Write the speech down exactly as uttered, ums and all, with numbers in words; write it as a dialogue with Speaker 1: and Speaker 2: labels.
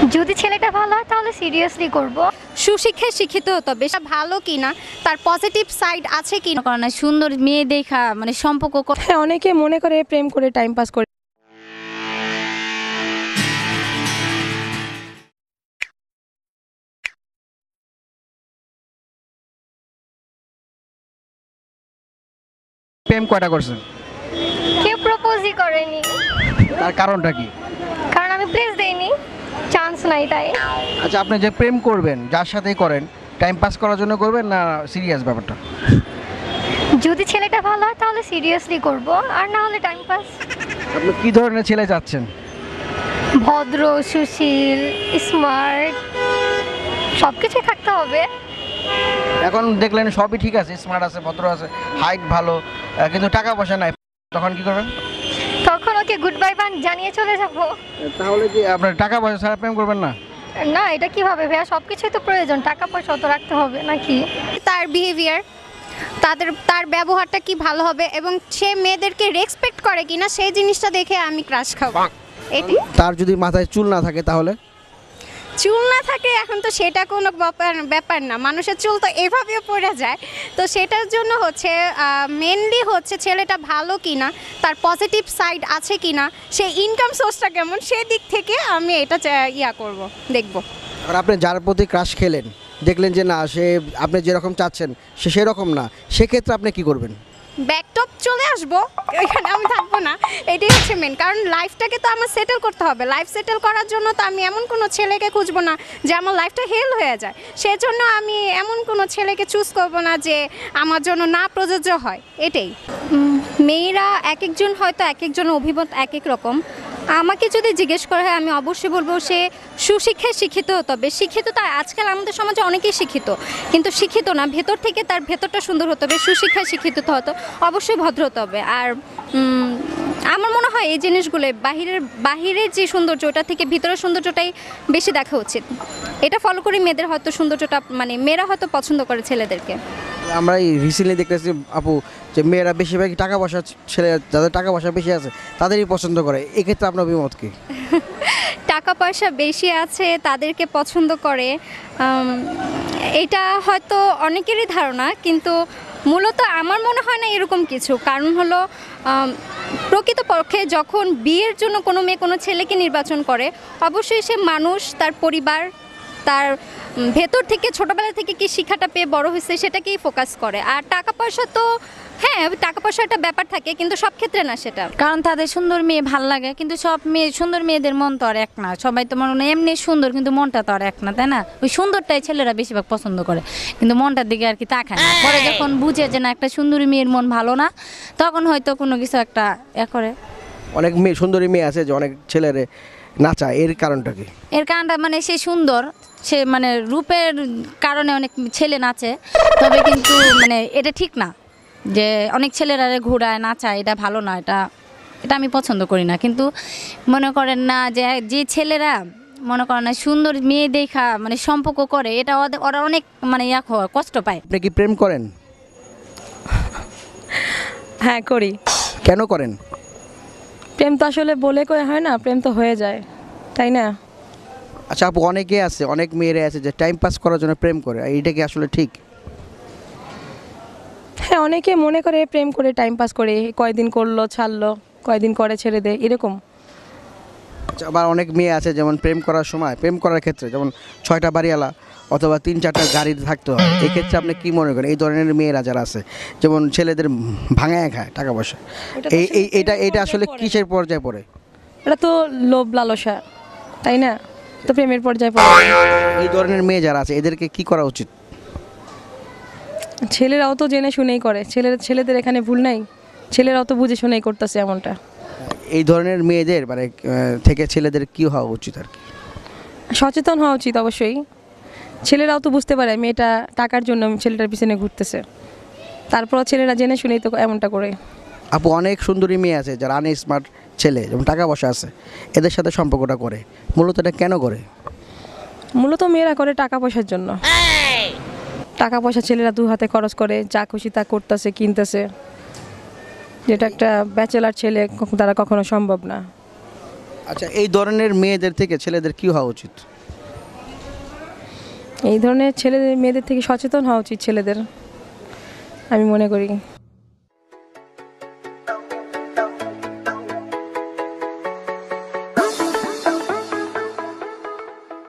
Speaker 1: যদি ছেলেটা ভালো হয় তাহলে সিরিয়াসলি করব।
Speaker 2: সুশিক্ষায় শিক্ষিত হতে হবে, সেটা ভালো কিনা, তার পজিটিভ সাইড আছে কি না, কারণ সুন্দর মেয়ে দেখা মানে সম্পর্ক।
Speaker 3: হ্যাঁ, অনেকে মনে করে প্রেম করে টাইম পাস করে।
Speaker 4: প্রেম কয়টা করছেন?
Speaker 1: কেউ প্রপোজই করেনি।
Speaker 4: তার কারণটা কি?
Speaker 1: কারণ আমি প্লেস দেইনি, চান্স নাই তাই।
Speaker 4: আচ্ছা, আপনি যে প্রেম করবেন যার সাথেই করেন, টাইম পাস করার জন্য করবেন না সিরিয়াস ব্যাপারটা?
Speaker 1: যদি ছেলেটা ভালো হয় তাহলে সিরিয়াসলি করব, আর না হলে টাইম পাস।
Speaker 4: আপনি কি ধরনের ছেলে চাচ্ছেন?
Speaker 1: ভদ্র, সুশীল, স্মার্ট, সব কিছুই থাকতে হবে।
Speaker 4: এখন দেখলেন সবই ঠিক আছে, স্মার্ট আছে, ভদ্র আছে, হাইট ভালো, আহ, কিন্তু টাকা পয়সা নাই, তখন কি করবেন?
Speaker 1: তখন ওকে গুড বাই বান জানিয়ে চলে যাব।
Speaker 4: তাহলে কি আপনার টাকা পয়সা ছাড়া প্রেম করবেন না?
Speaker 1: না, এটা কিভাবে ভাইয়া? সব কিছুই তো প্রয়োজন, টাকা পয়সা তো রাখতে হবে নাকি?
Speaker 2: তার বিহেভিয়ার, তাদের তার ব্যবহারটা কি ভালো হবে এবং সে মেয়েদেরকে রেসপেক্ট করে কিনা সেই জিনিসটা দেখে আমি ক্রাশ খাবো। এটাই।
Speaker 4: তার যদি মাথায় চুল না থাকে তাহলে?
Speaker 2: চুল না থাকে এখন তো সেটা কোনো ব্যাপার ব্যাপার না, মানুষের চুল তো এভাবেও পড়ে যায়। তো সেটার জন্য হচ্ছে মেনলি হচ্ছে ছেলেটা ভালো কিনা, তার পজিটিভ সাইড আছে কিনা, সে ইনকাম সোর্সটা কেমন, সেই দিক থেকে আমি এটা চা- ইয়া করব, দেখব।
Speaker 4: আর আপনি যার প্রতি ক্রাশ খেলেন, দেখলেন যে না সে আপনি যেরকম চাচ্ছেন সে সেরকম না, সেক্ষেত্রে আপনি কি করবেন?
Speaker 2: ব্যাকটপ চলে আসবো, এখানে আমি থাকবো না। এটাই হচ্ছে মেন, কারণ লাইফটাকে তো আমার সেটেল করতে হবে। লাইফ সেটেল করার জন্য তো আমি এমন কোনো ছেলেকে খুঁজবো না যে আমার লাইফটা হেল হয়ে যায়। সেজন্য আমি এমন কোনো ছেলেকে চুজ করবো না যে আমার জন্য না প্রযোজ্য হয়। এটাই। উম, মেয়েরা এক একজন হয়তো এক একজনের অভিমত এক এক রকম। আমাকে যদি জিজ্ঞেস করা হয় আমি অবশ্যই বলবো সে সুশিক্ষায় শিক্ষিত হতে হবে। শিক্ষিত তার আজকাল আমাদের সমাজে অনেকেই শিক্ষিত, কিন্তু শিক্ষিত না, ভেতর থেকে তার ভেতরটা সুন্দর হতে হবে। সুশিক্ষায় শিক্ষিত হতে অবশ্যই ভদ্র হতে হবে। আর উম, আমার মনে হয় এই জিনিসগুলো বাহিরের বাহিরের যে সৌন্দর্য ওটা থেকে ভিতরের সৌন্দর্যটাই বেশি দেখা উচিত। এটা ফলো করে মেয়েদের হয়তো সৌন্দর্যটা মানে মেয়েরা হয়তো পছন্দ করে ছেলেদেরকে।
Speaker 4: আমরা এই রিসেন্টলি দেখতেছি আপু যে মেয়েরা বেশিরভাগই টাকা পয়সা, ছেলে যাদের টাকা পয়সা বেশি আছে তাদেরই পছন্দ করে, এক্ষেত্রে আপনার অভিমত কি?
Speaker 2: টাকা পয়সা বেশি আছে তাদেরকে পছন্দ করে, উম, এটা হয়তো অনেকেরই ধারণা, কিন্তু মূলত আমার মনে হয় না এরকম কিছু। কারণ হলো উম, প্রকৃতপক্ষে যখন বিয়ের জন্য কোনো মেয়ে কোনো ছেলেকে নির্বাচন করে, অবশ্যই সে মানুষ, তার পরিবার, তার উম, ভেতর থেকে ছোটোবেলা থেকে কি শিক্ষাটা পেয়ে বড় হয়েছে সেটাকেই ফোকাস করে। আর টাকা পয়সা তো হ্যাঁ, টাকা পয়সা একটা ব্যাপার থাকে, কিন্তু সব ক্ষেত্রে না সেটা।
Speaker 5: কারণ তাদের সুন্দর মেয়ে ভাল লাগে, কিন্তু সব মেয়ে সুন্দর মেয়েদের মন তো আর এক না। সবাই তো মনে হয় এমনি সুন্দর, কিন্তু মনটা তো আর এক না, তাই না? ওই সুন্দরটাই ছেলেরা বেশিরভাগ পছন্দ করে, কিন্তু মনটার দিকে আর কি তাকায় না। পরে যখন বুঝে যে না একটা সুন্দরী মেয়ের মন ভালো না, তখন হয়তো কোনো কিছু একটা এ করে।
Speaker 4: অনেক মেয়ে, সুন্দরী মেয়ে আছে যে অনেক ছেলেরে নাচায়, এর কারণটা কি?
Speaker 5: এর কারণটা মানে সে সুন্দর, সে মানে রূপের কারণে অনেক ছেলে নাচে, তবে কিন্তু মানে এটা ঠিক না যে অনেক ছেলেরা ঘোরায় নাচায়, এটা ভালো না। এটা এটা আমি পছন্দ করি না। কিন্তু মনে করেন না যে যে ছেলেরা মনে করেন না সুন্দর মেয়ে দেখা মানে সম্পর্ক করে, এটা ওদের ওরা অনেক মানে ইয়া হয়, কষ্ট পায়।
Speaker 4: আপনি কি প্রেম করেন?
Speaker 3: হ্যাঁ, করি।
Speaker 4: কেন করেন?
Speaker 3: প্রেম তো আসলে বলে কয়ে হয় না, প্রেম তো হয়ে যায়, তাই না?
Speaker 4: আচ্ছা আপু, অনেকে আছে, অনেক মেয়েরা আছে যে টাইম পাস করার জন্য প্রেম করে, আর এইটা কি আসলে ঠিক?
Speaker 3: হ্যাঁ, অনেকে মনে করে প্রেম করে টাইম পাস করে, কয়দিন করলো ছাড়লো, কয়দিন করে ছেড়ে দেয়, এরকম।
Speaker 4: আচ্ছা, আবার অনেক মেয়ে আছে যেমন প্রেম করার সময়, প্রেম করার ক্ষেত্রে যেমন ছয়টা বাড়িওয়ালা অথবা তিন চারটা গাড়ি থাকতে হয়, এক্ষেত্রে আপনি কি মনে করেন? এই ধরনের মেয়েরা যারা আছে যেমন ছেলেদের ভাঙায় খায় টাকা পয়সা, এই এই এটা এটা আসলে কিসের পর্যায়ে পড়ে?
Speaker 3: এটা তো লোভ লালসা, তাই না? তো প্রেমের পর্যায়ে পড়ে।
Speaker 4: এই ধরনের মেয়ে যারা আছে এদেরকে কি করা উচিত?
Speaker 3: ছেলেরাও তো জেনে শুনেই করে, ছেলের ছেলেদের এখানে ভুল নাই, ছেলেরাও তো বুঝে শুনেই করতেছে এমনটা।
Speaker 4: এই ধরনের মেয়েদের মানে আহ, থেকে ছেলেদের কি হওয়া উচিত আর কি?
Speaker 3: সচেতন হওয়া উচিত অবশ্যই। ছেলেরাও তো বুঝতে পারে মেয়েটা টাকার জন্য ছেলেটার পিছনে ঘুরতেছে, তারপরও ছেলেরা জেনে শুনেই তো এমনটা করে।
Speaker 4: আপু, অনেক সুন্দরী মেয়ে আছে যারা আন স্মার্ট ছেলে যেমন টাকা পয়সা আছে, এদের সাথে সম্পর্কটা করে, মূলত এটা কেন করে?
Speaker 3: মূলত মেয়েরা করে টাকা পয়সার জন্য। টাকা পয়সা ছেলেরা দু হাতে খরচ করে, যা খুশি তা করতেছে, কিনতেছে, যেটা একটা ব্যাচেলার ছেলে দ্বারা কখনো সম্ভব না।
Speaker 4: আচ্ছা, এই ধরনের মেয়েদের থেকে ছেলেদের কি হওয়া উচিত?
Speaker 3: এই ধরনের ছেলেদের মেয়েদের থেকে সচেতন হওয়া উচিত ছেলেদের, আমি মনে করি।